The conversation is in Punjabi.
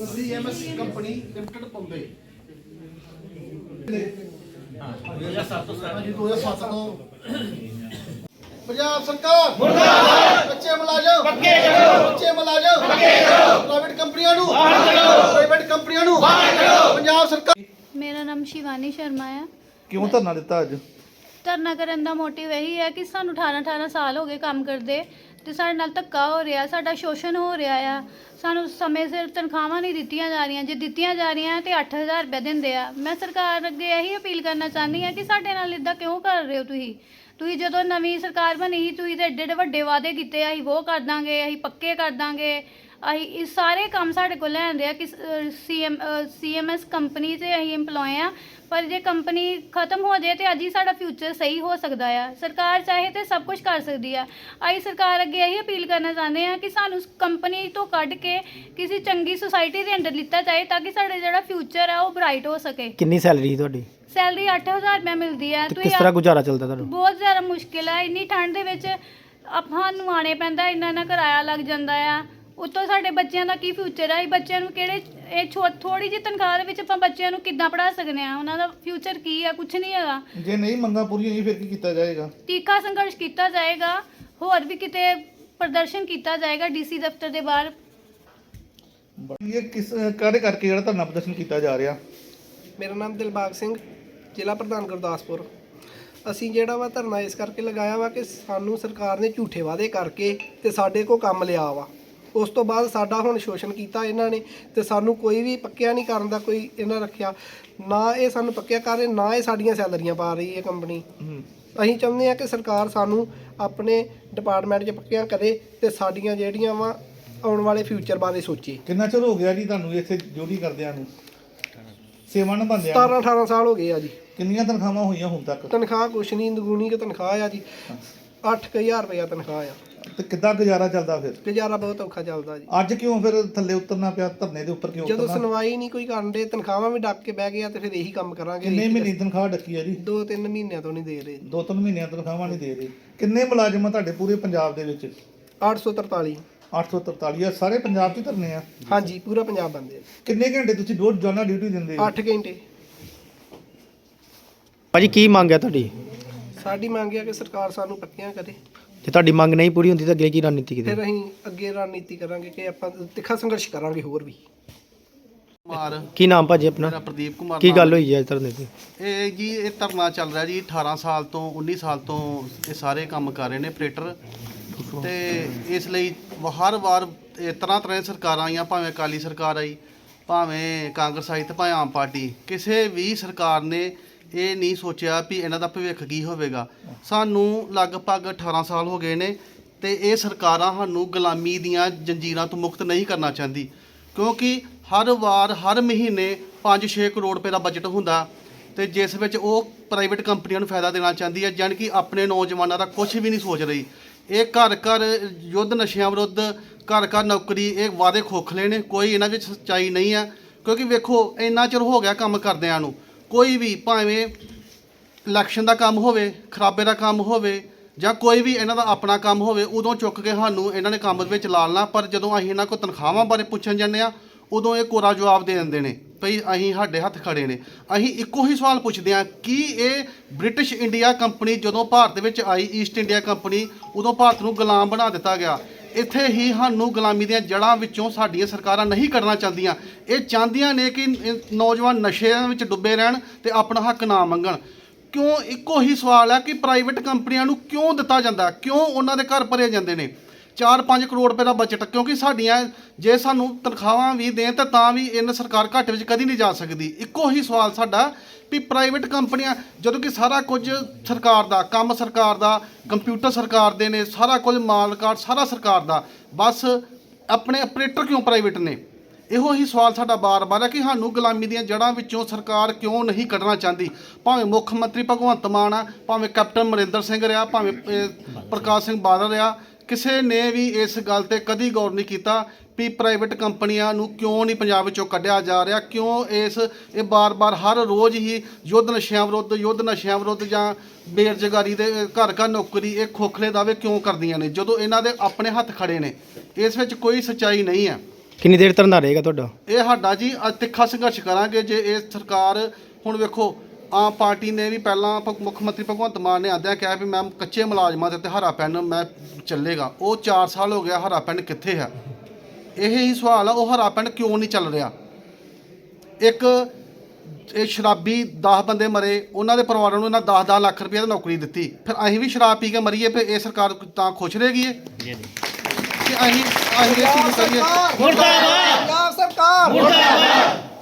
CMS ਕੰਪਨੀ ਲਿਮਟਿਡ ਬੰਬੇ 2007 ਤੋਂ ਪੰਜਾਬ ਸਰਕਾਰ ਮੁਰਦਾਬਾਦ। ਕੱਚੇ ਮੁਲਾਜ਼ਮ ਪੱਕੇ ਕਰੋ, ਕੱਚੇ ਮੁਲਾਜ਼ਮ ਪੱਕੇ ਕਰੋ, ਪ੍ਰਾਈਵੇਟ ਕੰਪਨੀਆਂ ਨੂੰ ਬਾਹਰ ਕੱਢੋ, ਪ੍ਰਾਈਵੇਟ ਕੰਪਨੀਆਂ ਨੂੰ ਬਾਹਰ ਕੱਢੋ। ਪੰਜਾਬ ਸਰਕਾਰ। मेरा नाम शिवानी शर्मा है। ਕਿਉਂ ਧਰਨਾ ਦਿੱਤਾ ਅੱਜ? ਧਰਨਾ ਕਰਨ ਦਾ ਮੋਟਿਵ ਇਹੀ ਹੈ ਕਿ ਸਾਨੂੰ 18 ਸਾਲ ਹੋ ਗਏ ਕੰਮ ਕਰਦੇ ਤੇ ਸਾਡੇ ਨਾਲ ਧੱਕਾ ਹੋ ਰਿਹਾ, ਸਾਡਾ ਸ਼ੋਸ਼ਣ ਹੋ ਰਿਹਾ ਆ। ਸਾਨੂੰ ਸਮੇਂ ਸਿਰ ਤਨਖਾਹਾਂ ਨਹੀਂ ਦਿੱਤੀਆਂ ਜਾ ਰਹੀਆਂ, ਜੇ ਦਿੱਤੀਆਂ ਜਾ ਰਹੀਆਂ ਤੇ 8000 ਰੁਪਏ ਦਿੰਦੇ ਆ। ਮੈਂ ਸਰਕਾਰ ਅੱਗੇ ਇਹੀ ਅਪੀਲ ਕਰਨਾ ਚਾਹੁੰਦੀ ਹਾਂ ਕਿ ਸਾਡੇ ਨਾਲ ਇਦਾਂ ਕਿਉਂ ਕਰ ਰਹੇ ਹੋ ਤੁਸੀਂ ਜਦੋਂ ਨਵੀਂ ਸਰਕਾਰ ਬਣੀ ਸੀ ਤੁਸੀਂ ਤੇ ਏਡੇ ਵੱਡੇ ਵਾਅਦੇ ਕੀਤੇ, ਅਸੀਂ ਉਹ ਕਰ ਦਾਂਗੇ, ਅਸੀਂ ਪੱਕੇ ਕਰ ਦਾਂਗੇ, ਅਸੀਂ ਇਹ ਸਾਰੇ ਕੰਮ ਸਾਡੇ ਕੋਲ ਲੈਂਦੇ ਆ ਕਿ CMS ਕੰਪਨੀ 'ਚ ਅਸੀਂ ਇੰਪਲੋਏ ਆ। ਪਰ ਜੇ ਕੰਪਨੀ ਖਤਮ ਹੋ ਜਾਏ ਤੇ ਅੱਜ ਹੀ ਸਾਡਾ ਫਿਊਚਰ ਸਹੀ ਹੋ ਸਕਦਾ ਆ। ਸਰਕਾਰ ਚਾਹੇ ਤੇ ਸਭ ਕੁਝ ਕਰ ਸਕਦੀ ਆ। ਅਸੀਂ ਸਰਕਾਰ ਅੱਗੇ ਇਹੀ ਅਪੀਲ ਕਰਨਾ ਚਾਹੁੰਦੇ ਆ ਕਿ ਸਾਨੂੰ ਕੰਪਨੀ ਤੋਂ ਕੱਢ ਕੇ ਕਿਸੇ ਚੰਗੀ ਸੁਸਾਇਟੀ ਦੇ ਅੰਡਰ ਲਿੱਤਾ ਜਾਏ ਤਾਂ ਕਿ ਸਾਡਾ ਜਿਹੜਾ ਫਿਊਚਰ ਆ ਉਹ ਬ੍ਰਾਈਟ ਹੋ ਸਕੇ। ਕਿੰਨੀ ਸੈਲਰੀ ਤੁਹਾਡੀ? ਸੈਲਰੀ 8000 ਰੁਪਏ ਮਿਲਦੀ ਹੈ। ਕਿਸ ਤਰ੍ਹਾਂ ਗੁਜ਼ਾਰਾ ਚੱਲਦਾ ਤੁਹਾਨੂੰ? ਬਹੁਤ ਜ਼ਿਆਦਾ ਮੁਸ਼ਕਿਲ ਹੈ। ਇੰਨੀ ਠੰਡ ਦੇ ਵਿੱਚ ਆਪਾਂ ਨੂੰ ਆਣੇ ਪੈਂਦਾ, ਇੰਨਾ ਕਿਰਾਇਆ ਲੱਗ ਜਾਂਦਾ ਆ। ਉੱਤੋਂ ਸਾਡੇ ਬੱਚਿਆਂ ਦਾ ਕੀ ਫਿਊਚਰ ਹੈ? ਬੱਚਿਆਂ ਨੂੰ ਕਿਹੜੇ ਇਹ ਥੋੜੀ ਜਿਹੀ ਤਨਖਾਹ ਦੇ ਵਿੱਚ ਆਪਾਂ ਬੱਚਿਆਂ ਨੂੰ ਕਿੱਦਾਂ ਪੜ੍ਹਾ ਸਕਦੇ ਆ? ਉਹਨਾਂ ਦਾ ਫਿਊਚਰ ਕੀ ਆ? ਕੁਝ ਨਹੀਂ ਹੈਗਾ। ਜੇ ਨਹੀਂ ਮੰਗਾਂ ਪੂਰੀਆਂ ਹੋਈ ਫਿਰ ਕੀ ਕੀਤਾ ਜਾਏਗਾ? ਤਿੱਖਾ ਸੰਘਰਸ਼ ਕੀਤਾ ਜਾਏਗਾ, ਹੋਰ ਵੀ ਕਿਤੇ ਪ੍ਰਦਰਸ਼ਨ ਕੀਤਾ ਜਾਏਗਾ DC ਦਫ਼ਤਰ ਦੇ ਬਾਹਰ। ਇਹ ਕਿਸ ਕਾਹਦੇ ਕਰਕੇ ਜਿਹੜਾ ਧਰਨਾ ਪ੍ਰਦਰਸ਼ਨ ਕੀਤਾ ਜਾ ਰਿਹਾ? ਮੇਰਾ ਨਾਮ ਦਿਲਬਾਗ ਸਿੰਘ, ਜ਼ਿਲ੍ਹਾ ਪ੍ਰਧਾਨ ਗੁਰਦਾਸਪੁਰ। ਅਸੀਂ ਜਿਹੜਾ ਵਾ ਧਰਨਾ ਇਸ ਕਰਕੇ ਲਗਾਇਆ ਵਾ ਕਿ ਸਾਨੂੰ ਸਰਕਾਰ ਨੇ ਝੂਠੇ ਵਾਅਦੇ ਕਰਕੇ ਤੇ ਸਾਡੇ ਕੋਲ ਕੰਮ ਲਿਆ ਵਾ। ਉਸ ਤੋਂ ਬਾਅਦ ਸਾਡਾ ਹੁਣ ਸ਼ੋਸ਼ਣ ਕੀਤਾ ਇਹਨਾਂ ਨੇ ਤੇ ਸਾਨੂੰ ਕੋਈ ਵੀ ਪੱਕਿਆ ਨਹੀਂ ਕਰਨ ਦਾ ਕੋਈ ਇਹਨਾਂ ਰੱਖਿਆ। ਨਾ ਇਹ ਸਾਨੂੰ ਪੱਕਿਆ ਕਰ ਰਹੇ, ਨਾ ਇਹ ਸਾਡੀਆਂ ਸੈਲਰੀਆਂ ਪਾ ਰਹੀ ਹੈ ਕੰਪਨੀ। ਅਸੀਂ ਚਾਹੁੰਦੇ ਹਾਂ ਕਿ ਸਰਕਾਰ ਸਾਨੂੰ ਆਪਣੇ ਡਿਪਾਰਟਮੈਂਟ 'ਚ ਪੱਕਿਆਂ ਕਰੇ ਤੇ ਸਾਡੀਆਂ ਜਿਹੜੀਆਂ ਵਾ ਆਉਣ ਵਾਲੇ ਫਿਊਚਰ ਬਾਰੇ ਸੋਚੇ। ਕਿੰਨਾ ਚਿਰ ਹੋ ਗਿਆ ਜੀ ਤੁਹਾਨੂੰ ਇੱਥੇ ਡਿਊਟੀ ਕਰਦਿਆਂ ਨੂੰ, ਸੇਵਾ ਨਿਭਾਉਂਦਿਆਂ? 17-18 ਸਾਲ ਹੋ ਗਏ ਆ ਜੀ। ਕਿੰਨੀਆਂ ਤਨਖਾਹਾਂ ਹੋਈਆਂ ਹੁਣ ਤੱਕ? ਤਨਖਾਹ ਕੁਛ ਨਹੀਂ, ਦੁਗਣੀ ਕਿ ਤਨਖਾਹ ਆ ਜੀ। 8000 ਰੁਪਇਆ ਤਨਖਾਹ ਆ। ਤੇ ਕਿੱਦਾਂ ਗੁਜ਼ਾਰਾ ਚੱਲਦਾ ਫਿਰ? ਗੁਜ਼ਾਰਾ ਬਹੁਤ ਔਖਾ ਚੱਲਦਾ ਜੀ। ਅੱਜ ਕਿਉਂ ਫਿਰ ਥੱਲੇ ਉਤਰਨਾ ਪਿਆ? ਧਰਨੇ ਦੇ ਉੱਪਰ ਕਿਉਂ ਜਦੋਂ ਉਤਰਨਾ? ਸੁਣਵਾਈ ਨਹੀਂ ਕੋਈ ਕਰਨ ਦੇ, ਤਨਖਾਹਾਂ ਵੀ ਡੱਕ ਕੇ ਬਹਿ ਗਏ ਆ ਤੇ ਫਿਰ ਇਹੀ ਕੰਮ ਕਰਾਂਗੇ। ਕਿੰਨੇ ਮਹੀਨੇ ਦੀ ਤਨਖਾਹ ਡੱਕੀ ਆ ਜੀ? 2-3 ਮਹੀਨਿਆਂ ਤੋਂ ਨਹੀਂ ਦੇ ਰਹੇ। 2-3 ਮਹੀਨਿਆਂ ਤਨਖਾਹਾਂ ਨਹੀਂ ਦੇ ਰਹੇ। ਕਿੰਨੇ ਮੁਲਾਜ਼ਮ ਆ ਤੁਹਾਡੇ ਪੂਰੇ ਪੰਜਾਬ ਦੇ ਵਿੱਚ? 843। 843 ਆ। ਸਾਰੇ ਪੰਜਾਬ 'ਚ ਧਰਨੇ ਆ? ਹਾਂਜੀ, ਪੂਰਾ ਪੰਜਾਬ ਬੰਦੇ। ਕਿੰਨੇ ਘੰਟੇ ਤੁਸੀਂ ਰੋਜ਼ਾਨਾ ਡਿਊਟੀ ਦਿੰਦੇ ਹੋ? 8 ਘੰਟੇ। ਭਾਜੀ ਕੀ ਮੰਗ ਹੈ ਤੁਹਾਡੀ? ਸਾਡੀ ਮੰਗ ਹੈ ਕਿ ਸਰਕਾਰ ਸਾਨੂੰ ਪੱਕਿਆਂ ਕਰੇ। ਜੇ ਤੁਹਾਡੀ ਮੰਗ ਨਹੀਂ ਪੂਰੀ ਹੁੰਦੀ ਤਾਂ ਅੱਗੇ ਕੀ ਰਣਨੀਤੀ ਫਿਰ ਕੀਤੀ? ਅਸੀਂ ਅੱਗੇ ਰਣਨੀਤੀ ਕਰਾਂਗੇ ਕਿ ਆਪਾਂ ਤਿੱਖਾ ਸੰਘਰਸ਼ ਕਰਾਂਗੇ ਹੋਰ ਵੀ। ਕੁਮਾਰ, ਕੀ ਨਾਮ ਭਾਜੀ ਆਪਣਾ? ਮੇਰਾ ਪ੍ਰਦੀਪ ਕੁਮਾਰ। ਕੀ ਗੱਲ ਹੋਈ ਹੈ ਅੱਜ ਧਰਨੇ ਤੇ? ਇਹ ਜੀ ਇਹ ਧਰਨਾ ਚੱਲ ਰਿਹਾ ਜੀ 18 ਸਾਲ ਤੋਂ 19 ਸਾਲ ਤੋਂ ਇਹ ਸਾਰੇ ਕੰਮ ਕਰ ਰਹੇ ਨੇ ਆਪਰੇਟਰ। ਤੇ ਇਸ ਲਈ ਹਰ ਵਾਰ ਤਰ੍ਹਾਂ ਦੀਆਂ ਸਰਕਾਰਾਂ ਆਈਆਂ, ਭਾਵੇਂ ਅਕਾਲੀ ਸਰਕਾਰ ਆਈ, ਭਾਵੇਂ ਕਾਂਗਰਸ ਆਈ ਤੇ ਭਾਵੇਂ ਆਮ ਪਾਰਟੀ, ਕਿਸੇ ਵੀ ਸਰਕਾਰ ਨੇ ਇਹ ਨਹੀਂ ਸੋਚਿਆ ਵੀ ਇਹਨਾਂ ਦਾ ਭਵਿੱਖ ਕੀ ਹੋਵੇਗਾ। ਸਾਨੂੰ ਲਗਭਗ 18 ਸਾਲ ਹੋ ਗਏ ਨੇ ਤੇ ਇਹ ਸਰਕਾਰਾਂ ਸਾਨੂੰ ਗੁਲਾਮੀ ਦੀਆਂ ਜੰਜੀਰਾਂ ਤੋਂ ਮੁਕਤ ਨਹੀਂ ਕਰਨਾ ਚਾਹੁੰਦੀ, ਕਿਉਂਕਿ ਹਰ ਵਾਰ ਹਰ ਮਹੀਨੇ 5-6 ਕਰੋੜ ਰੁਪਏ ਦਾ ਬਜਟ ਹੁੰਦਾ ਤੇ ਜਿਸ ਵਿੱਚ ਉਹ ਪ੍ਰਾਈਵੇਟ ਕੰਪਨੀਆਂ ਨੂੰ ਫਾਇਦਾ ਦੇਣਾ ਚਾਹੁੰਦੀ ਹੈ, ਜਾਣੀ ਕਿ ਆਪਣੇ ਨੌਜਵਾਨਾਂ ਦਾ ਕੁਝ ਵੀ ਨਹੀਂ ਸੋਚ ਰਹੀ। ਇਹ ਘਰ ਘਰ ਯੁੱਧ ਨਸ਼ਿਆਂ ਵਿਰੁੱਧ, ਘਰ ਘਰ ਨੌਕਰੀ, ਇਹ ਵਾਅਦੇ ਖੋਖਲੇ ਨੇ, ਕੋਈ ਇਹਨਾਂ ਵਿੱਚ ਸੱਚਾਈ ਨਹੀਂ ਹੈ। ਕਿਉਂਕਿ ਵੇਖੋ ਇੰਨਾ ਚਿਰ ਹੋ ਗਿਆ ਕੰਮ ਕਰਦਿਆਂ ਨੂੰ, ਕੋਈ ਵੀ ਭਾਵੇਂ ਇਲੈਕਸ਼ਨ ਦਾ ਕੰਮ ਹੋਵੇ, ਖਰਾਬੇ ਦਾ ਕੰਮ ਹੋਵੇ ਜਾਂ ਕੋਈ ਵੀ ਇਹਨਾਂ ਦਾ ਆਪਣਾ ਕੰਮ ਹੋਵੇ, ਉਦੋਂ ਚੁੱਕ ਕੇ ਸਾਨੂੰ ਇਹਨਾਂ ਨੇ ਕੰਮ ਵਿੱਚ ਲਾ ਲੈਣਾ। ਪਰ ਜਦੋਂ ਅਸੀਂ ਇਹਨਾਂ ਕੋਲ ਤਨਖਾਹਾਂ ਬਾਰੇ ਪੁੱਛਣ ਜਾਂਦੇ ਆ ਉਦੋਂ ਇਹ ਕੋਰਾ ਜਵਾਬ ਦੇ ਦਿੰਦੇ ਨੇ ਭਈ ਅਸੀਂ ਸਾਡੇ ਹੱਥ ਖੜੇ ਨੇ। ਅਸੀਂ ਇੱਕੋ ਹੀ ਸਵਾਲ ਪੁੱਛਦੇ ਹਾਂ ਕਿ ਇਹ ਬ੍ਰਿਟਿਸ਼ ਇੰਡੀਆ ਕੰਪਨੀ ਜਦੋਂ ਭਾਰਤ ਵਿੱਚ ਆਈ, ਈਸਟ ਇੰਡੀਆ ਕੰਪਨੀ, ਉਦੋਂ ਭਾਰਤ ਨੂੰ ਗੁਲਾਮ ਬਣਾ ਦਿੱਤਾ ਗਿਆ। ਇੱਥੇ ਹੀ ਸਾਨੂੰ ਗੁਲਾਮੀ ਦੀਆਂ ਜੜ੍ਹਾਂ ਵਿੱਚੋਂ ਸਾਡੀਆਂ ਸਰਕਾਰਾਂ ਨਹੀਂ ਕੱਢਣਾ ਚਾਹੁੰਦੀਆਂ। ਇਹ ਚਾਹੁੰਦੀਆਂ ਨੇ ਕਿ ਨੌਜਵਾਨ ਨਸ਼ਿਆਂ ਵਿੱਚ ਡੁੱਬੇ ਰਹਿਣ ਤੇ ਆਪਣਾ ਹੱਕ ਨਾ ਮੰਗਣ। ਕਿਉਂ? ਇੱਕੋ ਹੀ ਸਵਾਲ ਹੈ ਕਿ ਪ੍ਰਾਈਵੇਟ ਕੰਪਨੀਆਂ ਨੂੰ ਕਿਉਂ ਦਿੱਤਾ ਜਾਂਦਾ, ਕਿਉਂ ਉਹਨਾਂ ਦੇ ਘਰ ਭਰੇ ਜਾਂਦੇ ਨੇ? 4-5 ਕਰੋੜ ਰੁਪਏ ਦਾ ਬਜਟ, ਕਿਉਂਕਿ ਸਾਡੀਆਂ ਜੇ ਸਾਨੂੰ ਤਨਖਾਹਾਂ ਵੀ ਦੇਣ ਤਾਂ ਵੀ ਇਹਨਾਂ ਸਰਕਾਰ ਘੱਟ ਵਿੱਚ ਕਦੀ ਨਹੀਂ ਜਾ ਸਕਦੀ। ਇੱਕੋ ਹੀ ਸਵਾਲ ਸਾਡਾ ਵੀ ਪ੍ਰਾਈਵੇਟ ਕੰਪਨੀਆਂ, ਜਦੋਂ ਕਿ ਸਾਰਾ ਕੁਝ ਸਰਕਾਰ ਦਾ, ਕੰਮ ਸਰਕਾਰ ਦਾ, ਕੰਪਿਊਟਰ ਸਰਕਾਰ ਦੇ ਨੇ, ਸਾਰਾ ਕੁਝ ਮਾਲ ਕਾਰਡ ਸਾਰਾ ਸਰਕਾਰ ਦਾ, ਬਸ ਆਪਣੇ ਆਪਰੇਟਰ ਕਿਉਂ ਪ੍ਰਾਈਵੇਟ ਨੇ? ਇਹੋ ਹੀ ਸਵਾਲ ਸਾਡਾ ਬਾਰ-ਬਾਰ ਹੈ ਕਿ ਸਾਨੂੰ ਗੁਲਾਮੀ ਦੀਆਂ ਜੜ੍ਹਾਂ ਵਿੱਚੋਂ ਸਰਕਾਰ ਕਿਉਂ ਨਹੀਂ ਕੱਢਣਾ ਚਾਹੁੰਦੀ। ਭਾਵੇਂ ਮੁੱਖ ਮੰਤਰੀ ਭਗਵੰਤ ਮਾਨ ਆ, ਭਾਵੇਂ ਕੈਪਟਨ ਅਮਰਿੰਦਰ ਸਿੰਘ ਰਿਹਾ, ਭਾਵੇਂ ਪ੍ਰਕਾਸ਼ ਸਿੰਘ ਬਾਦਲ ਰਿਹਾ, ਕਿਸੇ ਨੇ ਵੀ ਇਸ ਗੱਲ ਤੇ ਕਦੀ ਗੌਰ ਨਹੀਂ ਕੀਤਾ ਵੀ ਪ੍ਰਾਈਵੇਟ ਕੰਪਨੀਆਂ ਨੂੰ ਕਿਉਂ ਨਹੀਂ ਪੰਜਾਬ ਵਿੱਚੋਂ ਕੱਢਿਆ ਜਾ ਰਿਹਾ। ਕਿਉਂ ਇਹ ਬਾਰ-ਬਾਰ ਹਰ ਰੋਜ਼ ਹੀ ਯੁੱਧ ਨਸ਼ਿਆਂ ਵਿਰੁੱਧ ਜਾਂ ਬੇਰੁਜ਼ਗਾਰੀ ਦੇ, ਘਰ ਘਰ ਨੌਕਰੀ, ਇਹ ਖੋਖਲੇ ਦਾਅਵੇ ਕਿਉਂ ਕਰਦੀਆਂ ਨੇ ਜਦੋਂ ਇਹਨਾਂ ਦੇ ਆਪਣੇ ਹੱਥ ਖੜੇ ਨੇ? ਇਸ ਵਿੱਚ ਕੋਈ ਸੱਚਾਈ ਨਹੀਂ ਹੈ। ਕਿੰਨੀ ਦੇਰ ਧਰਨਾ ਰਹੇਗਾ ਤੁਹਾਡਾ? ਇਹ ਸਾਡਾ ਜੀ ਤਿੱਖਾ ਸੰਘਰਸ਼ ਕਰਾਂਗੇ ਜੇ ਇਹ ਸਰਕਾਰ ਹੁਣ ਵੇਖੋ ਆਮ ਪਾਰਟੀ ਨੇ ਵੀ ਪਹਿਲਾਂ ਮੁੱਖ ਮੰਤਰੀ ਭਗਵੰਤ ਮਾਨ ਨੇ ਆਂਦਿਆਂ ਕਿਹਾ ਵੀ ਮੈਂ ਕੱਚੇ ਮੁਲਾਜ਼ਮਾਂ ਦੇ ਉੱਤੇ ਹਰਾ ਪੈਨ ਮੈਂ ਚੱਲੇਗਾ। ਉਹ 4 ਸਾਲ ਹੋ ਗਿਆ, ਹਰਾ ਪੈਨ ਕਿੱਥੇ ਹੈ? ਇਹ ਹੀ ਸਵਾਲ ਆ, ਉਹ ਹਰਾ ਪੈਨ ਕਿਉਂ ਨਹੀਂ ਚੱਲ ਰਿਹਾ? ਇੱਕ ਇਹ ਸ਼ਰਾਬੀ 10 ਬੰਦੇ ਮਰੇ, ਉਹਨਾਂ ਦੇ ਪਰਿਵਾਰਾਂ ਨੂੰ ਇਹਨਾਂ 10-10 ਲੱਖ ਰੁਪਏ ਦੀ ਨੌਕਰੀ ਦਿੱਤੀ, ਫਿਰ ਅਸੀਂ ਵੀ ਸ਼ਰਾਬ ਪੀ ਕੇ ਮਰੀਏ ਫਿਰ ਇਹ ਸਰਕਾਰ ਤਾਂ ਖੁਸ਼ ਰਹੇਗੀ ਕਿ ਅਸੀਂ ਇਹ ਚੀਜ਼ ਕਰੀਏ? ਪੰਜਾਬ ਸਰਕਾਰ ਮੁਰਦਾਬਾਦ।